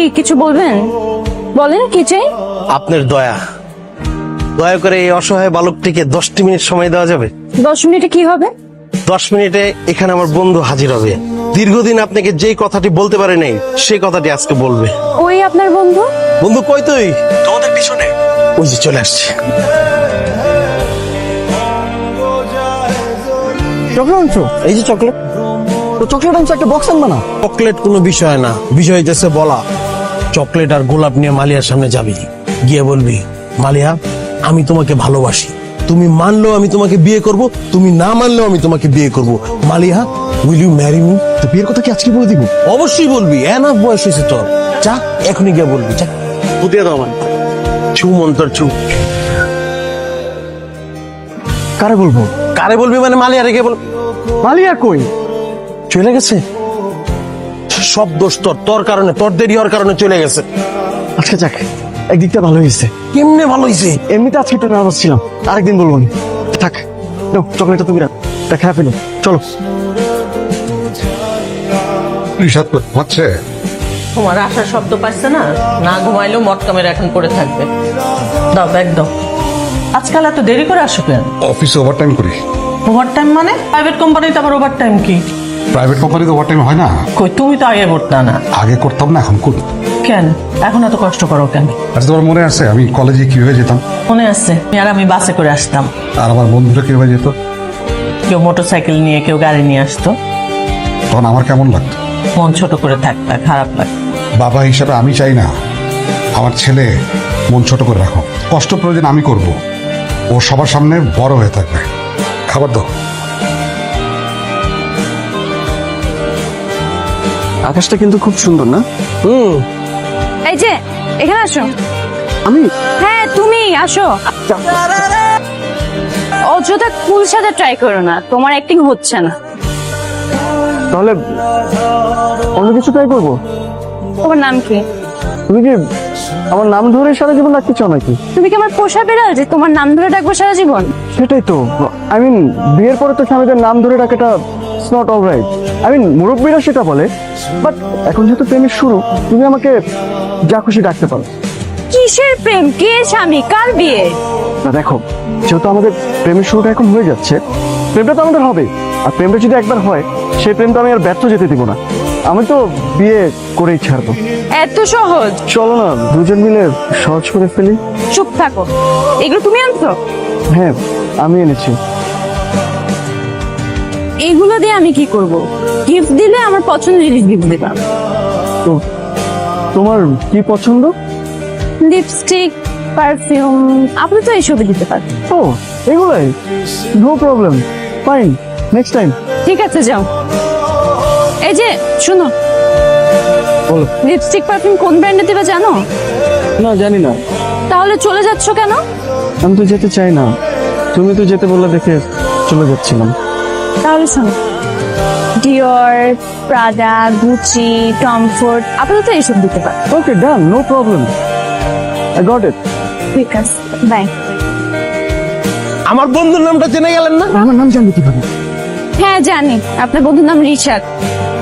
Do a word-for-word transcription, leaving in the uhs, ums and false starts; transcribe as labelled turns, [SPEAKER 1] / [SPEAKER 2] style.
[SPEAKER 1] কিছু বলবেন? বলেন কি চাই?
[SPEAKER 2] আপনার দয়া, দয়া করে এই অসহায় বালকটিকে দশটি মিনিট সময় দেওয়া যাবে?
[SPEAKER 1] দশ মিনিটে কি হবে?
[SPEAKER 2] দশ মিনিটে এখানে আমার বন্ধু হাজির হবে। দীর্ঘদিন আপনাকে যেই কথাটি বলতে পারে নাই সেই কথাটি আজকে বলবে।
[SPEAKER 1] ওই আপনার বন্ধু?
[SPEAKER 2] বন্ধু কই তুই? তোমাদের পিছনে। ওই যে চলে আসছে।
[SPEAKER 3] চকলেট আনছো?
[SPEAKER 2] এই যে চকলেট।
[SPEAKER 3] তো চকলেট আনছো, একটা বক্স আনবা না?
[SPEAKER 2] চকলেট কোনো বিষয় না, বিষয় হইতেছে বলা। চকলেট আর গোলাপ নিয়ে মালিয়ার সামনে যাবি, গিয়ে বলবি, মালিয়া আমি তোমাকে ভালোবাসি, তুমি মানলেও আমি তোমাকে বিয়ে করব, তুমি না মানলেও আমি তোমাকে বিয়ে করব। Maliya, will you marry me?
[SPEAKER 3] তো বিয়ের কথা কি আজকে বলে দিব?
[SPEAKER 2] অবশ্যই বলবি, এনাফ বয়স হয়েছে তোর। যা এখনই গিয়ে বলবি, যা। বুঝিয়ে দাও আমার ছু মন্তর ছু।
[SPEAKER 3] কারে বলবো?
[SPEAKER 2] কারে বলবি মানে মালিয়া রেখে বল।
[SPEAKER 3] মালিয়া কই?
[SPEAKER 2] চলে গেছে। সব দোষ তোর, তোর কারণে, তোর দেরি হওয়ার কারণে চলে গেছে।
[SPEAKER 3] আচ্ছা যাক, একদিকটা ভালো হয়েছে।
[SPEAKER 2] কেমনে ভালো হয়েছে?
[SPEAKER 3] এমনিতে আজকে একটু নার্ভাস ছিলাম, আরেকদিন বলবো না। থাক, নাও চকলেটটা তুমি রাখ, তা খেয়ে ফেলো, চলো।
[SPEAKER 4] রিসাদ হচ্ছে
[SPEAKER 5] তোমার আসার শব্দ পাচ্ছে না, না ঘুমাইলেও মটকা মেরে এখন পড়ে থাকবে। দাও ব্যাগ দাও। আজকাল এত দেরি করে আসো কেন?
[SPEAKER 4] অফিসে ওভারটাইম করি।
[SPEAKER 5] ওভার টাইম মানে? প্রাইভেট কোম্পানিতে আবার ওভার টাইম কি?
[SPEAKER 4] প্রাইভেট কোম্পানিতে ওভারটাইম হয় না?
[SPEAKER 5] কই, তুমি তো আগে করতা না।
[SPEAKER 4] আগে করতাম না, এখন করি।
[SPEAKER 5] কেন এখন এত কষ্ট করো কেন?
[SPEAKER 4] আচ্ছা, তোমার মনে আছে আমি কলেজে কিভাবে যেতাম?
[SPEAKER 5] মনে আছে, আর আমি বাসে করে আসতাম,
[SPEAKER 4] আর আমার বন্ধুরা কিভাবে যেত?
[SPEAKER 5] কেউ মোটর সাইকেল নিয়ে, কেউ গাড়ি নিয়ে আসতো।
[SPEAKER 4] তখন আমার কেমন লাগতো?
[SPEAKER 5] মন ছোট করে থাকতা, খারাপ লাগতো।
[SPEAKER 4] বাবা হিসাবে আমি চাই না আমার ছেলে মন ছোট করে রাখো। কষ্ট প্রয়োজন আমি করব, ও সবার সামনে বড় হয়ে থাকবে। খাবার দাও।
[SPEAKER 3] আকাশটা কিন্তু খুব সুন্দর না?
[SPEAKER 2] হুম।
[SPEAKER 1] এই যে এখানে আসো।
[SPEAKER 3] আমি?
[SPEAKER 1] হ্যাঁ তুমি আসো। অযথা কুল সাথে ট্রাই করো না, তোমার অ্যাক্টিং হচ্ছে না।
[SPEAKER 3] তাহলে অন্য কিছু ট্রাই করবো?
[SPEAKER 1] তোমার নাম কি?
[SPEAKER 3] তুমি কি আমার নাম ধরে সারা জীবন রাখতে চাও নাকি?
[SPEAKER 1] তুমি কি আমার পোষা বেড়াল যে তোমার নাম ধরে ডাকবো সারা জীবন?
[SPEAKER 3] সেটাই তো, আই মিন বিয়ের পরে তো স্বামীদের নাম ধরে ডাকাটা it's not all right. I mean মুরব্বীরা সেটা বলে, বাট এখন যেহেতু প্রেমের শুরু, তুমি আমাকে যা খুশি ডাকতে পারো।
[SPEAKER 1] কিসের প্রেম? কে স্বামী? কার বিয়ে?
[SPEAKER 3] না দেখো, যেহেতু আমাদের প্রেমের শুরুটা এখন হয়ে যাচ্ছে, প্রেমটা তো আমাদের হবে। আর প্রেমটা যদি একবার হয়, সেই প্রেমটা আমি আর ব্যর্থ যেতে দিব না। আমি তো বিয়ে করেই ছাড়বো।
[SPEAKER 1] এত সহজ?
[SPEAKER 3] চলো না দুজন মিলে সহজ করে ফেলি।
[SPEAKER 1] চুপ থাকো, এগুলো তুমি আনছো?
[SPEAKER 3] হ্যাঁ আমি এনেছি।
[SPEAKER 1] এগুলো দিয়ে আমি কি করব? গিফট দিলে আমার পছন্দের জিনিস গিফট দিলাম।
[SPEAKER 3] তো তোমার কি পছন্দ?
[SPEAKER 1] লিপস্টিক, পারফিউম, আপনি তো এইসবই দিতে পারেন।
[SPEAKER 3] ও এগুলাই, no problem, fine, next time.
[SPEAKER 1] ঠিক আছে যাও। এই যে শুনো,
[SPEAKER 3] বলো।
[SPEAKER 1] লিপস্টিক পারফিউম কোন ব্র্যান্ডের দিবে জানো?
[SPEAKER 3] না জানি না।
[SPEAKER 1] তাহলে চলে যাচ্ছ কেন?
[SPEAKER 3] আমি তো যেতে চাই না, তুমি তো যেতে বললে দেখে চলে যাচ্ছিলাম।
[SPEAKER 1] তাহলে শোনো, ডিওর, প্রাডা, গুচি, টমফোর্ড, আপাতত এইসব দিতে পারে।
[SPEAKER 3] Okay done, no problem, I got it.
[SPEAKER 1] ঠিক আছে, বাই।
[SPEAKER 2] আমার বন্ধুর নামটা জেনে গেলেন না?
[SPEAKER 3] আমার নাম জানবে কিভাবে?
[SPEAKER 1] হ্যাঁ জানি, আপনার বন্ধুর নাম রিশাদ।